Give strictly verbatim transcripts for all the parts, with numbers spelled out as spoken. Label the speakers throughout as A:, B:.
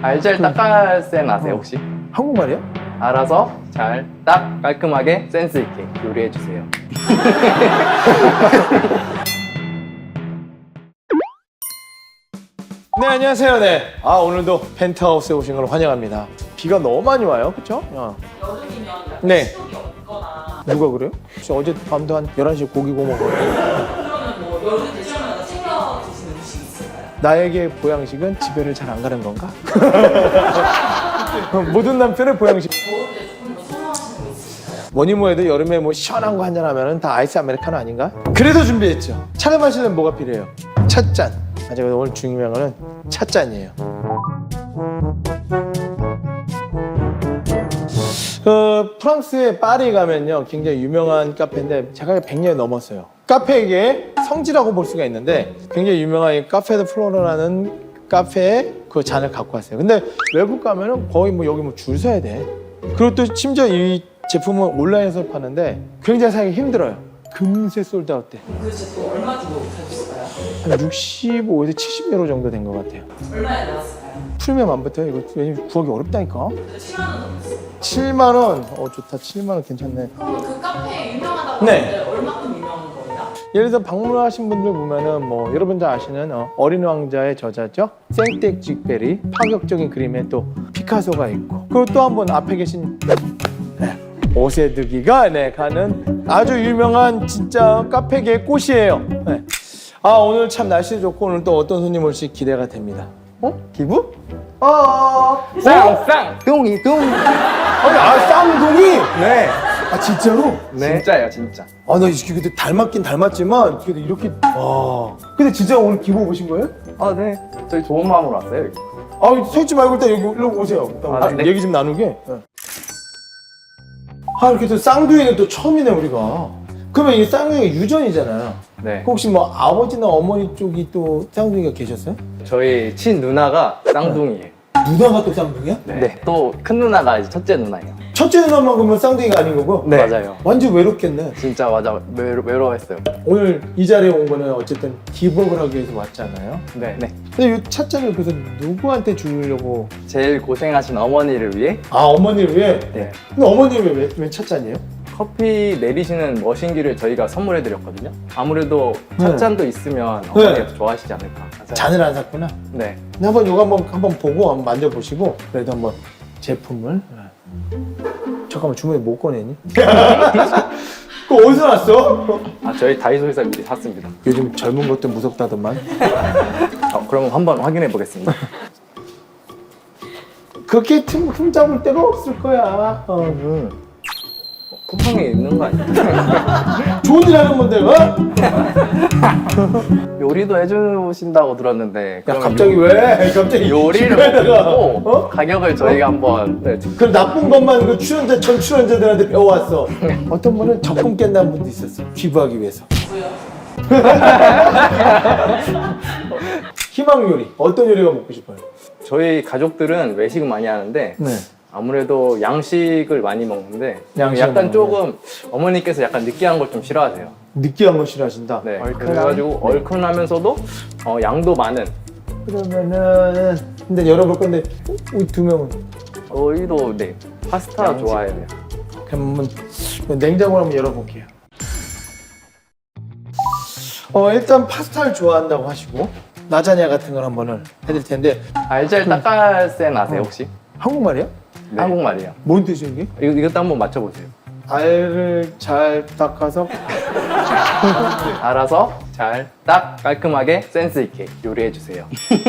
A: 알잘 닦아센 아세요 혹시?
B: 한국말이야?
A: 알아서 잘, 딱, 깔끔하게, 센스 있게 요리해 주세요.
B: 네, 안녕하세요. 네. 아, 오늘도 펜트하우스에 오신 걸 환영합니다. 비가 너무 많이 와요. 그쵸? 야.
C: 여름이면 약간
B: 네.
C: 식욕이 없거나
B: 누가 그래요? 혹시 어제 밤도 한 열한 시에 고기 구워 먹어요.
C: 그러면 뭐 여름 되시면 챙겨 드시는 음식 있을까요?
B: 나에게 보양식은 집에를 잘 안 가는 건가? 모든 남편의 보양식.
C: 더울 때 조금 더 선호하시는 거 있으실까요?
B: 뭐니 뭐해도 여름에 뭐 시원한 거 한잔 하면은 다 아이스 아메리카노 아닌가? 그래서 준비했죠. 차를 마시려면 뭐가 필요해요? 찻잔. 아, 제가 오늘 중요한 거는 찻잔이에요. 그 프랑스의 파리 가면요 굉장히 유명한 카페인데 제가 백 년이 넘었어요. 카페에게 성지라고 볼 수가 있는데 굉장히 유명한 이 카페 드 플로라는 카페에 그 잔을 갖고 왔어요. 근데 외국 가면은 거의 뭐 여기 뭐 줄 서야 돼. 그리고 또 심지어 이 제품은 온라인에서 파는데 굉장히 사기 힘들어요. 금세 솔드아웃 돼.
C: 그 제품 얼마 주고 사주실까요?
B: 한 육십오에서 칠십 유로 정도 된 것 같아요.
C: 얼마에 나왔을까요?
B: 프리미엄 안 붙어요. 이거 왜냐면 구하기 어렵다니까.
C: 그래도 칠만 원 넘었어요.
B: 칠만 원. 어 좋다. 칠만 원 괜찮네.
C: 그럼 그 카페 유명하다고
B: 네.
C: 하는데 얼마큼 유명한 거예요?
B: 예를 들어 방문하신 분들 보면은 뭐 여러분 다 아시는 어, 어린 왕자의 저자죠. 생텍쥐페리 파격적인 그림에 또 피카소가 있고 그리고 또 한 분 앞에 계신 네, 오세드기가 네, 가는 아주 유명한 진짜 카페계의 꽃이에요. 네. 아 오늘 참 날씨 좋고 오늘 또 어떤 손님 올지 기대가 됩니다. 어? 기부? 어?
A: 쌍! 쌍! 뚱이 뚱!
B: 아니 아 쌍둥이?
A: 네.
B: 아 진짜로?
A: 네. 진짜예요 진짜.
B: 아 나 이렇게 근데 닮았긴 닮았지만 그래도 이렇게 와 근데 진짜 오늘 기부 오신 거예요?
A: 아 네. 저희 좋은 마음으로 왔어요. 여기.
B: 아 서 있지 말고 일단 여기 일로 오세요. 일단
A: 아, 네.
B: 얘기 좀 나누게. 네. 아 이렇게 또 쌍둥이는 또 처음이네 우리가. 그러면 이게 쌍둥이가 유전이잖아요.
A: 네.
B: 혹시 뭐 아버지나 어머니 쪽이 또 쌍둥이가 계셨어요?
A: 저희 친 누나가 쌍둥이에요.
B: 누나가 또 쌍둥이야?
A: 네. 또 큰 누나가 이제 첫째 누나예요.
B: 첫째 누나만 그러면 쌍둥이가 아닌 거고?
A: 네. 맞아요.
B: 완전 외롭겠네.
A: 진짜 맞아 외로, 외로워했어요.
B: 오늘 이 자리에 온 거는 어쨌든 기부업을 하기 위해서 왔잖아요.
A: 네. 네.
B: 근데 이 찻잔을 그래서 누구한테 주려고?
A: 제일 고생하신 어머니를 위해
B: 아 어머니를 위해?
A: 네.
B: 근데 어머니를 왜, 왜 찻잔이에요?
A: 커피 내리시는 머신기를 저희가 선물해 드렸거든요. 아무래도
B: 네.
A: 찻잔도 있으면 어머니가 더 좋아하시지 않을까.
B: 잔을 안 샀구나.
A: 네.
B: 근데 한번 이거 한번 한번 보고 한번 만져보시고 그래도 한번 제품을 잠깐만 주머니 못 꺼내니? 그거 어디서 났어?
A: 아 저희 다이소에서 미리 샀습니다.
B: 요즘 젊은 것도 무섭다더만.
A: 어, 그럼 한번 확인해 보겠습니다.
B: 그렇게 틈, 흠 잡을 데가 없을 거야. 어, 응.
A: 쿠팡에 있는 거 아니에요?
B: 좋은 일 하는 건데, 어?
A: 요리도 해주신다고 들었는데
B: 야
A: 그러면
B: 갑자기
A: 요-
B: 왜? 갑자기
A: 요리를
B: 집에다가,
A: 보고
B: 어?
A: 가격을 저희가 한번 네,
B: 그 나쁜 것만 그 출연자 전 출연자들한테 배워왔어. 어떤 분은 적금 깬다는 분도 있었어. 기부하기 위해서.
C: 뭐요?
B: 희망 요리. 어떤 요리가 먹고 싶어요?
A: 저희 가족들은 외식을 많이 하는데
B: 네.
A: 아무래도 양식을 많이 먹는데
B: 양식을
A: 약간
B: 먹는데.
A: 조금 어머니께서 약간 느끼한 걸 좀 싫어하세요.
B: 느끼한 거 싫어하신다.
A: 네.
B: 얼큰한?
A: 그래가지고 얼큰하면서도 어, 양도 많은
B: 그러면은 근데 열어볼 건데 우리 두 명은
A: 저희도 네 파스타
B: 양식.
A: 좋아해요.
B: 그럼 한번 냉장고를 한번 열어볼게요. 어 일단 파스타를 좋아한다고 하시고 라자냐 같은 걸 한번을 해드릴 텐데
A: 알잘 닦아센 아세요 혹시?
B: 한국말이야?
A: 네. 한국말이에요.
B: 뭔 뜻이야 이게?
A: 이거, 이것도 한번 맞춰보세요.
B: 알을 잘 닦아서
A: 알아서 잘, 딱, 깔끔하게, 센스 있게 요리해 주세요.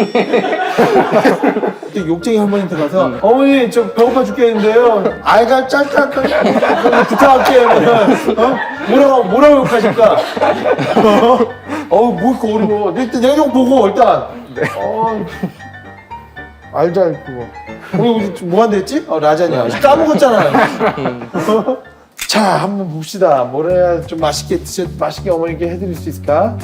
B: 또 욕쟁이 할머니한테 가서 어머니 저 배고파 죽겠는데요 알가 짤짤 부탁할게요. 어? 뭐라고 뭐라고 욕하실까? 어우 뭐 이렇게 어려워. 일단 내용 보고 일단 어, 알잘 그거 우리 우리 뭐 한다 했지? 어 라자냐 까먹었잖아. 자 한번 봅시다. 뭘 해야 좀 맛있게 드셔 맛있게 어머니께 해드릴 수 있을까?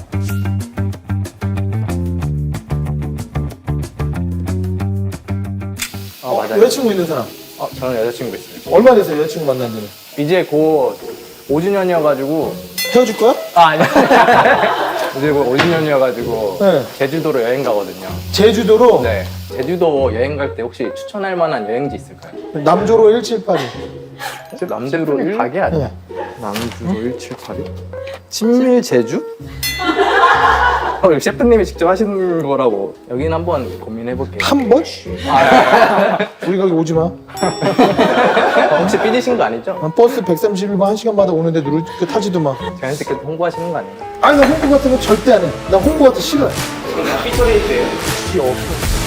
A: 어, 맞아요.
B: 여자친구 있는 사람
A: 어, 저는 여자친구 있어요.
B: 얼마 됐어요 여자친구 만난 지는?
A: 이제 곧 오 주년이어가지고
B: 헤어질 거야?
A: 아 아니야. 이제 곧 오 주년이어가지고
B: 네.
A: 제주도로 여행 가거든요.
B: 제주도로?
A: 네. 제주도 여행 갈 때 혹시 추천할 만한 여행지 있을까요?
B: 남조로 일칠팔이.
A: 남주로 일 가게 아니야?
B: 네.
A: 남주로 일칠팔이? 친밀 제주? 어, 이거 셰프님이 직접 하시는 거라고. 여기는 한번 고민해볼게요.
B: 한 번? 우리 거기 오지 마.
A: 어, 혹시 삐지신 거 아니죠?
B: 버스 백삼십일 번 한 시간마다 오는데 누를 그 타지도 마.
A: 자연스럽게 홍보하시는 거 아니에요?
B: 아니 나 홍보 같은 거 절대 안 해. 나 홍보 같은 거 싫어해.
A: 삐소리세요?
B: 없어.